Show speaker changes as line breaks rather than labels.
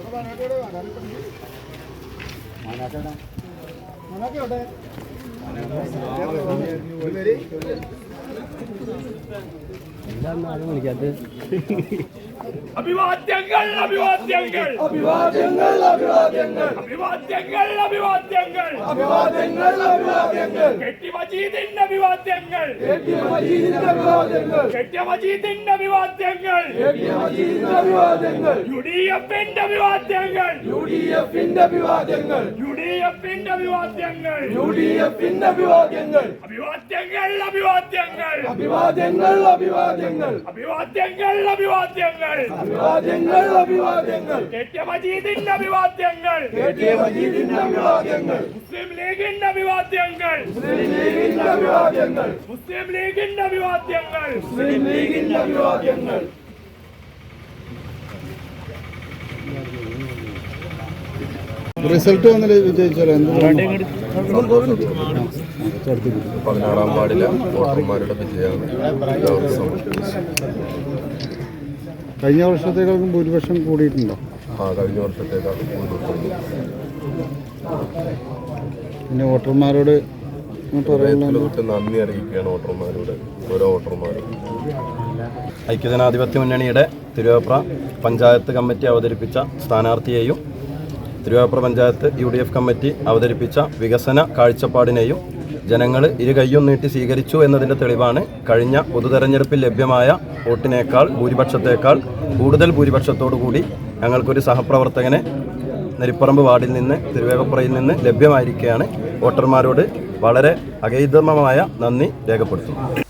അഭിവാദ്യങ്ങൾ അഭിവാദ്യങ്ങൾ അഭിവാദ്യങ്ങൾ അഭിവാദ്യങ്ങൾ അഭിവാദ്യങ്ങൾ അഭിവാദ്യങ്ങൾ അഭിവാദ്യങ്ങൾ അഭിവാദ്യങ്ങൾ കെട്ടി മജീദിന്റെ അഭിവാദ്യങ്ങൾ കെട്ടി മജീദിന്റെ അഭിവാദ്യങ്ങൾ കെട്ടി മജീദിന്റെ അഭിവാദ്യങ്ങൾ കെട്ടി മജീദിന്റെ അഭിവാദ്യങ്ങൾ യുഡിഎഫിന്റെ അഭിവാദ്യങ്ങൾ യുഡിഎഫിന്റെ അഭിവാദ്യങ്ങൾ യുഡിഎഫിന്റെ അഭിവാദ്യങ്ങൾ യുഡിഎഫിന്റെ അഭിവാദ്യങ്ങൾ അഭിവാദ്യങ്ങൾ അഭിവാദ്യങ്ങൾ അഭിവാദ്യങ്ങൾ അഭിവാദ്യങ്ങൾ അഭിവാദ്യങ്ങൾ അഭിവാദ്യങ്ങൾ അഭിവാദ്യങ്ങൾ അഭിവാദ്യങ്ങൾ കെട്ടിയ മജീദിന്റെ അഭിവാദ്യങ്ങൾ കെട്ടിയ മജീദിന്റെ അഭിവാദ്യങ്ങൾ മുസ്ലിം ലീഗിന്റെ അഭിവാദ്യങ്ങൾ മുസ്ലിം ലീഗിന്റെ അഭിവാദ്യങ്ങൾ മുസ്ലിം ലീഗിന്റെ അഭിവാദ്യങ്ങൾ മുസ്ലിം ലീഗിന്റെ അഭിവാദ്യങ്ങൾ
റിസൾട്ട് വന്നിട്ട് വിജയിച്ചാലോ?
16-ാം വാർഡിലെ വോട്ടർമാരുടെ വിജയമാണ്.
കഴിഞ്ഞ വർഷത്തേക്കാളും ഭൂരിപക്ഷം കൂടിയിട്ടുണ്ടോ?
കഴിഞ്ഞ വർഷത്തേക്കാളും ഭൂരിപക്ഷം.
പിന്നെ വോട്ടർമാരോട്
നന്ദി അറിയിക്കുകയാണ് വോട്ടർമാരോട്, ഓരോ വോട്ടർമാരും.
ഐക്യജനാധിപത്യ മുന്നണിയുടെ തിരുവേപ്ര പഞ്ചായത്ത് കമ്മിറ്റി അവതരിപ്പിച്ച സ്ഥാനാർത്ഥിയെയും തിരുവേപ്ര പഞ്ചായത്ത് UDF കമ്മിറ്റി അവതരിപ്പിച്ച വികസന കാഴ്ചപ്പാടിനെയും ജനങ്ങൾ ഇരു കൈയും നീട്ടി സ്വീകരിച്ചു എന്നതിൻ്റെ തെളിവാണ് കഴിഞ്ഞ പൊതുതെരഞ്ഞെടുപ്പിൽ ലഭ്യമായ വോട്ടിനേക്കാൾ ഭൂരിപക്ഷത്തേക്കാൾ കൂടുതൽ ഭൂരിപക്ഷത്തോടുകൂടി ഞങ്ങൾക്കൊരു സഹപ്രവർത്തകനെ നെരിപ്പറമ്പ് വാർഡിൽ നിന്ന് തിരുവേഗപ്പുറയിൽ നിന്ന് ലഭ്യമായിരിക്കുകയാണ്. വോട്ടർമാരോട് വളരെ അഗൈതമായ നന്ദി രേഖപ്പെടുത്തുന്നു.